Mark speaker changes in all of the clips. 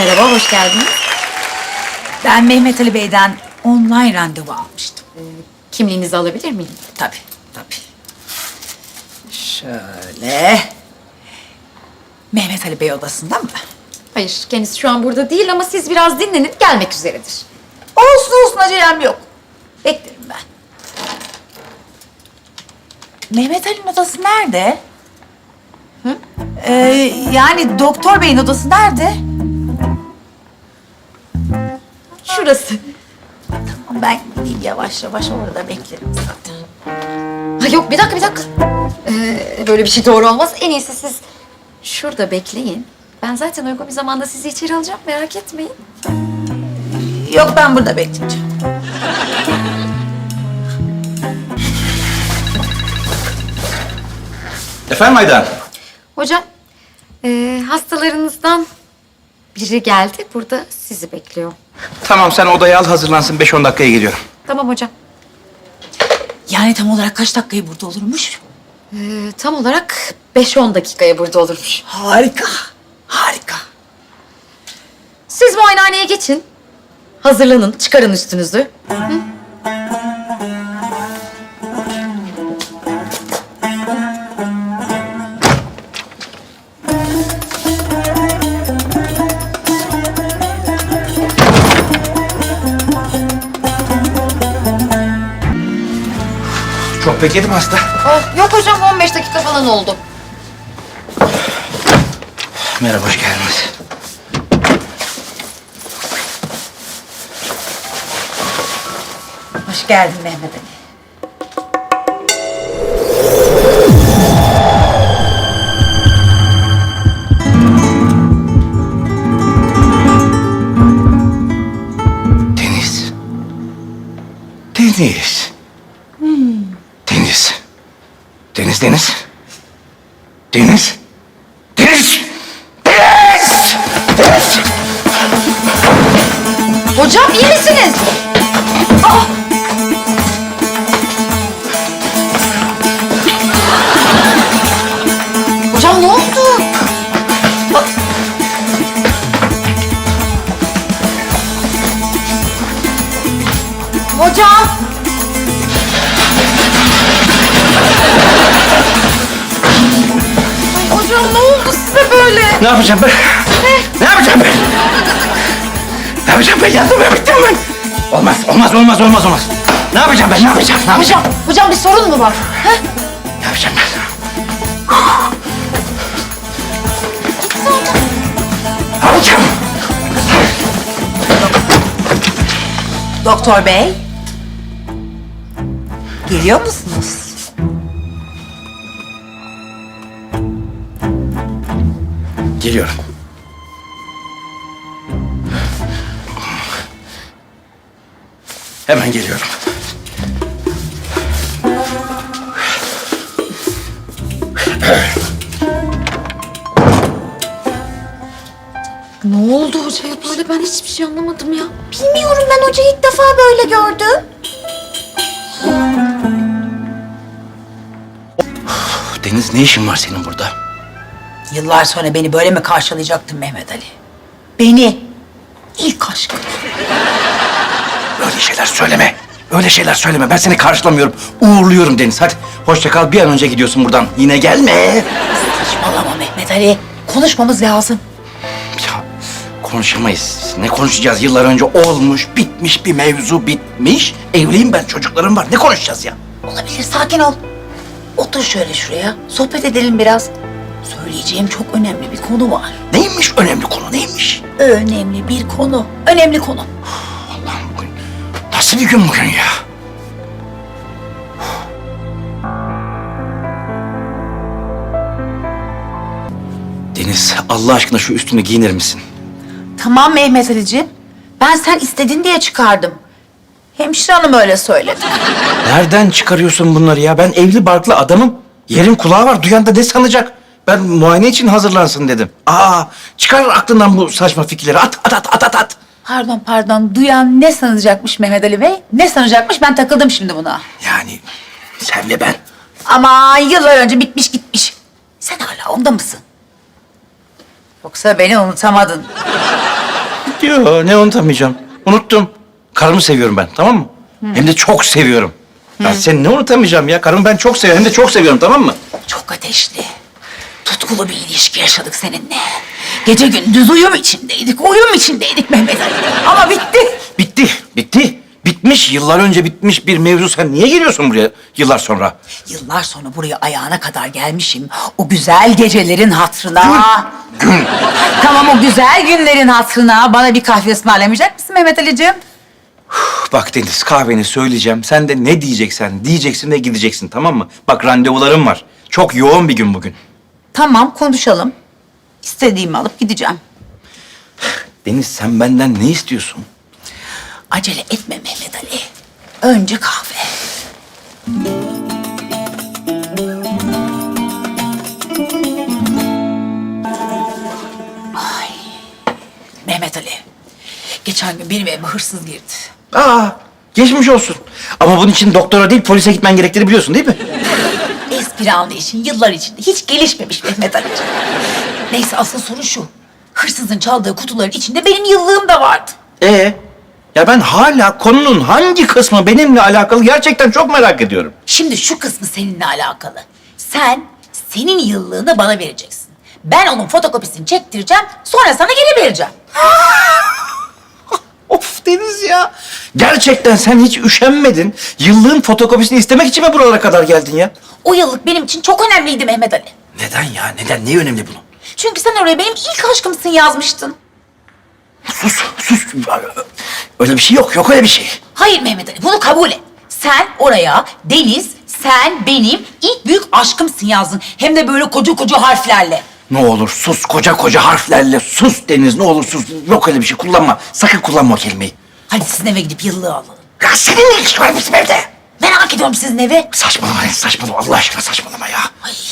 Speaker 1: Merhaba, hoş geldiniz.
Speaker 2: Ben Mehmet Ali Bey'den online randevu almıştım.
Speaker 1: Kimliğinizi alabilir miyim?
Speaker 2: Tabii, tabii. Şöyle. Mehmet Ali Bey odasında mı?
Speaker 1: Hayır, kendisi şu an burada değil ama siz biraz dinlenip gelmek üzeredir.
Speaker 2: Olsun olsun, acelem yok. Beklerim ben. Mehmet Ali'nin odası nerede? Hı? Yani doktor beyin odası nerede?
Speaker 1: Şurası.
Speaker 2: Tamam, ben gideyim yavaş yavaş, orada beklerim zaten.
Speaker 1: Ha yok, bir dakika. Böyle bir şey doğru olmaz. En iyisi siz şurada bekleyin. Ben zaten uygun bir zamanda sizi içeri alacağım, merak etmeyin.
Speaker 2: Yok, ben burada bekleyeceğim.
Speaker 3: Efendim Aydan?
Speaker 1: Hocam, hastalarınızdan biri geldi. Burada sizi bekliyor.
Speaker 3: Tamam, sen odaya al, hazırlansın. 5-10 dakikaya geliyorum.
Speaker 1: Tamam hocam.
Speaker 2: Yani tam olarak kaç dakikayı burada olurmuş?
Speaker 1: Tam olarak 5-10 dakikaya burada olurmuş.
Speaker 2: Harika, harika.
Speaker 1: Siz muayenehaneye geçin. Hazırlanın, çıkarın üstünüzü.
Speaker 3: Çok bekledim hasta.
Speaker 1: Oh, yok hocam, 15 dakika falan oldu.
Speaker 3: Merhaba, hoş geldiniz.
Speaker 2: Hoş geldin Mehmet Ali.
Speaker 3: Deniz. Deniz. Deniz. Deniz, Deniz. Deniz. Deniz. Deniz. Deniz.
Speaker 1: Hocam iyi misiniz? Hocam ne oldu? Hocam. Ay hocam ne oldu size böyle?
Speaker 3: Ne yapacağım ben? Ne yapacağım ben? Ne yapacağım ben? Yandım ben, bittim ben. Olmaz. Ne yapacağım ben? Ne yapacağım?
Speaker 1: Hocam bir sorun mu var?
Speaker 3: Ne yapacağım ben? Ne yapacağım?
Speaker 2: Doktor Bey. Geliyor musunuz?
Speaker 3: Geliyorum. Hemen geliyorum.
Speaker 1: Ne oldu hocaya böyle? Ben hiçbir şey anlamadım ya.
Speaker 4: Bilmiyorum, ben hocayı ilk defa böyle gördüm.
Speaker 3: Deniz, ne işin var senin burada?
Speaker 2: Yıllar sonra beni böyle mi karşılayacaktın Mehmet Ali? Beni, ilk aşkım.
Speaker 3: Öyle şeyler söyleme. Öyle şeyler söyleme. Ben seni karşılamıyorum. Uğurluyorum Deniz. Hadi hoşça kal. Bir an önce gidiyorsun buradan. Yine gelme.
Speaker 2: Saçmalama Mehmet Ali. Konuşmamız lazım.
Speaker 3: Ya konuşamayız. Ne konuşacağız? Yıllar önce olmuş, bitmiş bir mevzu bitmiş. Evliyim ben, çocuklarım var. Ne konuşacağız ya?
Speaker 2: Olabilir, sakin ol. Otur şöyle şuraya, sohbet edelim biraz. Söyleyeceğim çok önemli bir konu var.
Speaker 3: Neymiş önemli konu, neymiş?
Speaker 2: Önemli bir konu, önemli konu.
Speaker 3: Allah'ım, bugün nasıl bir gün bugün ya? Deniz, Allah aşkına şu üstünü giyinir misin?
Speaker 2: Tamam Mehmet Ali'ciğim. Ben sen istedin diye çıkardım. Hemşire hanım öyle söyledi.
Speaker 3: Nereden çıkarıyorsun bunları ya? Ben evli barklı adamım. Yerin kulağı var. Duyan da ne sanacak? Ben muayene için hazırlansın dedim. Çıkar aklından bu saçma fikirleri. At.
Speaker 2: Pardon. Duyan ne sanacakmış Mehmet Ali Bey? Ne sanacakmış? Ben takıldım şimdi buna.
Speaker 3: Yani senle ben.
Speaker 2: Ama yıllar önce bitmiş gitmiş. Sen hala onda mısın? Yoksa beni unutamadın.
Speaker 3: Yo, ne unutamayacağım. Unuttum. Karımı seviyorum ben, tamam mı? Hem de çok seviyorum. Ben seni ne unutamayacağım ya? Karımı ben çok seviyorum, hem de çok seviyorum, tamam mı?
Speaker 2: Çok ateşli, tutkulu bir ilişki yaşadık seninle. Gece gündüz uyum içindeydik Mehmet Ali. Ama bitti.
Speaker 3: Bitti. Bitmiş, yıllar önce bitmiş bir mevzu. Sen niye geliyorsun buraya yıllar sonra?
Speaker 2: Yıllar sonra buraya ayağına kadar gelmişim. O güzel gecelerin hatırına. Tamam, o güzel günlerin hatırına bana bir kahve ısmarlamayacak mısın Mehmet Ali'ciğim?
Speaker 3: Bak Deniz, kahveni söyleyeceğim. Sen de ne diyeceksen diyeceksin ve gideceksin, tamam mı? Bak randevularım var. Çok yoğun bir gün bugün.
Speaker 2: Tamam, konuşalım. İstediğimi alıp gideceğim.
Speaker 3: Deniz, sen benden ne istiyorsun?
Speaker 2: Acele etme Mehmet Ali. Önce kahve. Ay. Mehmet Ali. Geçen gün benim evime hırsız girdi.
Speaker 3: Aa, geçmiş olsun. Ama bunun için doktora değil, polise gitmen gerektiğini biliyorsun değil mi?
Speaker 2: Espri anlayışın yıllar içinde hiç gelişmemiş Mehmet Ali'ciğim. Neyse, asıl sorun şu. Hırsızın çaldığı kutuların içinde benim yıllığım da vardı.
Speaker 3: Ya ben hala konunun hangi kısmı benimle alakalı gerçekten çok merak ediyorum.
Speaker 2: Şimdi şu kısmı seninle alakalı. Senin yıllığını bana vereceksin. Ben onun fotokopisini çektireceğim, sonra sana geri vereceğim.
Speaker 3: Of Deniz ya. Gerçekten sen hiç üşenmedin. Yıllığın fotokopisini istemek için mi buralara kadar geldin ya?
Speaker 2: O yıllık benim için çok önemliydi Mehmet Ali.
Speaker 3: Neden ya? Neden? Neyi önemli bunun?
Speaker 2: Çünkü sen oraya benim ilk aşkımsın yazmıştın.
Speaker 3: Sus. Öyle bir şey yok. Yok öyle bir şey.
Speaker 2: Hayır Mehmet Ali, bunu kabul et. Sen oraya Deniz, sen benim ilk büyük aşkımsın yazdın. Hem de böyle koca koca harflerle.
Speaker 3: Ne olur sus. Koca harflerle sus Deniz. Ne olur sus. Yok öyle bir şey. Kullanma. Sakın kullanma o kelimeyi.
Speaker 2: Hadi sizin eve gidip yıllığı alalım.
Speaker 3: Ya senin ne ilgisi var bizim evde?
Speaker 2: Merak ediyorum sizin evi.
Speaker 3: Saçmalama Deniz. Saçmalama. Allah aşkına saçmalama ya.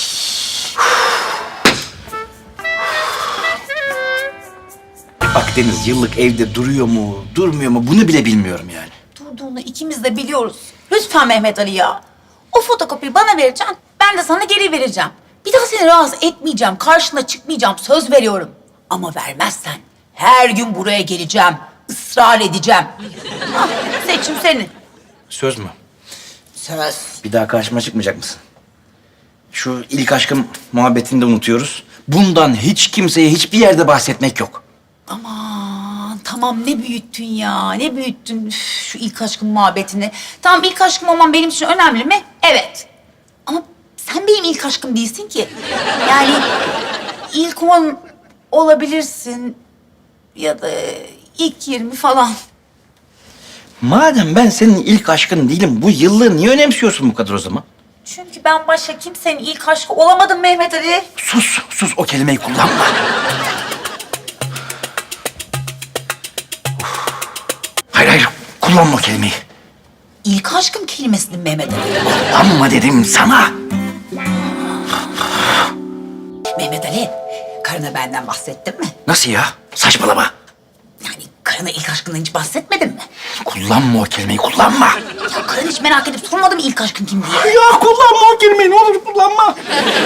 Speaker 3: Bak Deniz, yıllık evde duruyor mu, durmuyor mu bunu bile bilmiyorum yani.
Speaker 2: Durduğunu ikimiz de biliyoruz. Lütfen Mehmet Ali ya. O fotokopiyi bana vereceksin, ben de sana geri vereceğim. Bir daha seni rahatsız etmeyeceğim, karşına çıkmayacağım, söz veriyorum. Ama vermezsen her gün buraya geleceğim, ısrar edeceğim. Ah, seçim senin.
Speaker 3: Söz mü?
Speaker 2: Söz.
Speaker 3: Bir daha karşıma çıkmayacak mısın? Şu ilk aşkım muhabbetini de unutuyoruz. Bundan hiç kimseye hiçbir yerde bahsetmek yok.
Speaker 2: Aman tamam, ne büyüttün ya, ne büyüttün üf, şu ilk aşkın muhabbetini. Tamam, ilk aşkım olman benim için önemli mi? Evet. Ama sen benim ilk aşkım değilsin ki. Yani ilk 10 olabilirsin ya da ilk 20 falan.
Speaker 3: Madem ben senin ilk aşkın değilim, bu yıllığı niye önemsiyorsun bu kadar o zaman?
Speaker 2: Çünkü ben başka kimsenin ilk aşkı olamadım Mehmet Ali.
Speaker 3: Sus o kelimeyi kullanma. Hayır, kullanma o kelimeyi.
Speaker 2: İlk aşkım kelimesini Mehmet Ali.
Speaker 3: Kullanma dedim sana.
Speaker 2: Mehmet Ali, karına benden bahsettin mi?
Speaker 3: Nasıl ya? Saçmalama.
Speaker 2: Yani karına ilk aşkından hiç bahsetmedin mi?
Speaker 3: Kullanma o kelimeyi, kullanma.
Speaker 2: Ya karın hiç merak edip sormadı mı ilk aşkın kim diye?
Speaker 3: Ya kullanma o kelimeyi, ne olur kullanma.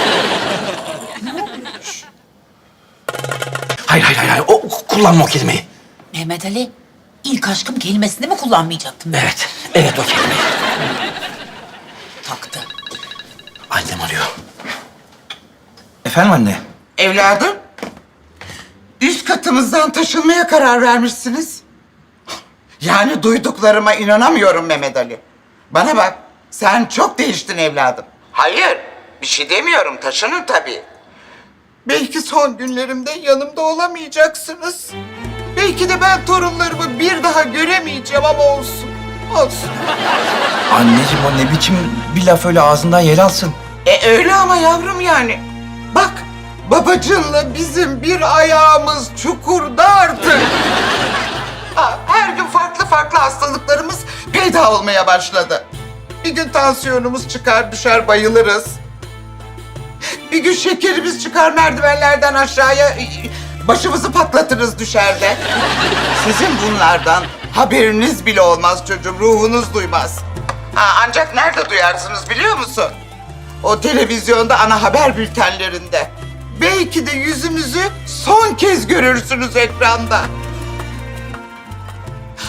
Speaker 3: Hayır, kullanma o kelimeyi.
Speaker 2: Mehmet Ali, ilk aşkım kelimesini mi kullanmayacaktım ben?
Speaker 3: Evet o kelimeyi.
Speaker 2: Taktı.
Speaker 3: Annem arıyor. Efendim anne?
Speaker 5: Evladım, üst katımızdan taşınmaya karar vermişsiniz. Yani duyduklarıma inanamıyorum Mehmet Ali. Bana bak, sen çok değiştin evladım. Hayır, bir şey demiyorum, taşının tabii. Belki son günlerimde yanımda olamayacaksınız. Belki de ben torunlarımı bir daha göremeyeceğim ama olsun. Olsun.
Speaker 3: Anneciğim o ne biçim bir laf öyle ağzından yel alsın.
Speaker 5: Öyle ama yavrum yani. Bak, babacınla bizim bir ayağımız çukurda artık. Her gün farklı hastalıklarımız peyda olmaya başladı. Bir gün tansiyonumuz çıkar düşer bayılırız. Bir gün şekerimiz çıkar merdivenlerden aşağıya başımızı patlatırız düşerde. Sizin bunlardan haberiniz bile olmaz çocuğum, ruhunuz duymaz. Ancak nerede duyarsınız biliyor musun? O televizyonda ana haber bültenlerinde. Belki de yüzümüzü son kez görürsünüz ekranda.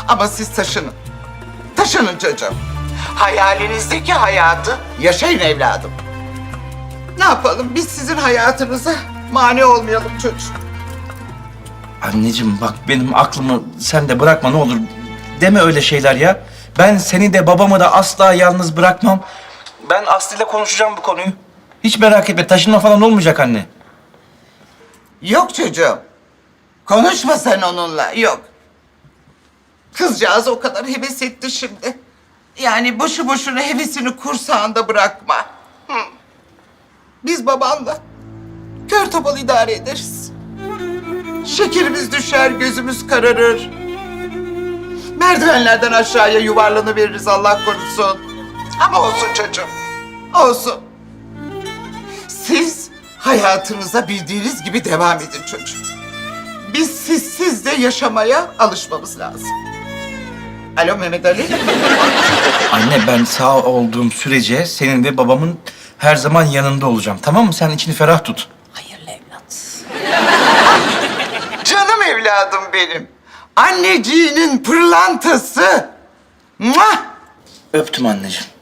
Speaker 5: Ama siz taşının. Taşının çocuğum. Hayalinizdeki hayatı yaşayın evladım. Ne yapalım? Biz sizin hayatınıza mani olmayalım çocuğum.
Speaker 3: Anneciğim bak benim aklımı sen de bırakma ne olur. Deme öyle şeyler ya. Ben seni de babamı da asla yalnız bırakmam. Ben Aslı ile konuşacağım bu konuyu. Hiç merak etme taşınma falan olmayacak anne.
Speaker 5: Yok çocuğum. Konuşma sen onunla. Yok. Kızcağız o kadar heves etti şimdi. Yani boşu boşuna hevesini kursağında bırakma. Hı. Biz babanla kör topal idare ederiz. Şekerimiz düşer, gözümüz kararır. Merdivenlerden aşağıya yuvarlanıveririz Allah korusun. Ama olsun çocuğum, olsun. Siz hayatınıza bildiğiniz gibi devam edin çocuğum. Biz sizsiz de yaşamaya alışmamız lazım. Alo Mehmet Ali.
Speaker 3: Anne ben sağ olduğum sürece senin ve babamın her zaman yanında olacağım. Tamam mı? Sen içini ferah tut.
Speaker 2: Hayırlı evlat.
Speaker 5: Canım evladım benim. Anneciğinin pırlantası. Muah!
Speaker 3: Öptüm anneciğim.